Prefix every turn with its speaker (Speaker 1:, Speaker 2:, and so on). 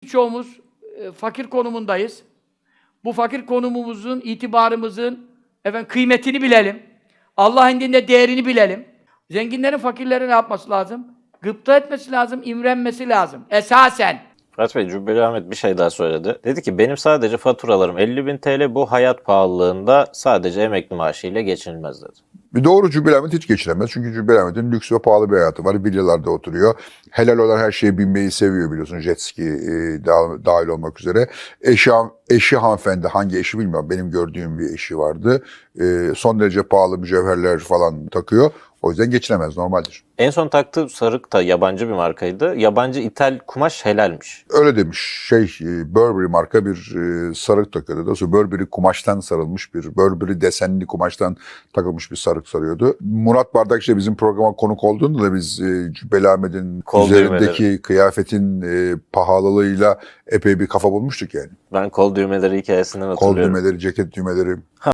Speaker 1: birçoğumuz fakir konumundayız. Bu fakir konumumuzun, itibarımızın kıymetini bilelim. Allah indinde değerini bilelim. Zenginlerin fakirlere ne yapması lazım? Gıpta etmesi lazım, imrenmesi lazım. Esasen.
Speaker 2: Fırat Bey, Cübbeli Ahmet bir şey daha söyledi. Dedi ki benim sadece faturalarım 50.000 TL, bu hayat pahalılığında sadece emekli maaşıyla geçinilmez dedi.
Speaker 3: Bir doğru Cübbeli Ahmet hiç geçiremez. Çünkü Cübbeli Ahmet'in lüks ve pahalı bir hayatı var. Villalarda oturuyor. Helal olan her şeye binmeyi seviyor biliyorsun. Jet ski dahil olmak üzere. Eşi hanımefendi, hangi eşi bilmiyorum. Benim gördüğüm bir eşi vardı. Son derece pahalı mücevherler falan takıyor. O yüzden geçinemez, normaldir.
Speaker 2: En son taktığı sarık da yabancı bir markaydı. Yabancı ithal kumaş helalmiş.
Speaker 3: Öyle demiş. Burberry marka bir sarık takıyordu. Daha sonra Burberry kumaştan sarılmış bir, Burberry desenli kumaştan takılmış bir sarık sarıyordu. Murat Bardakçı bizim programa konuk olduğunda da biz Cübbeli Ahmet'in üzerindeki kıyafetin pahalılığıyla epey bir kafa bulmuştuk yani.
Speaker 2: Ben kol düğmeleri hikayesinden hatırlıyorum.
Speaker 3: Kol düğmeleri, ceket düğmeleri.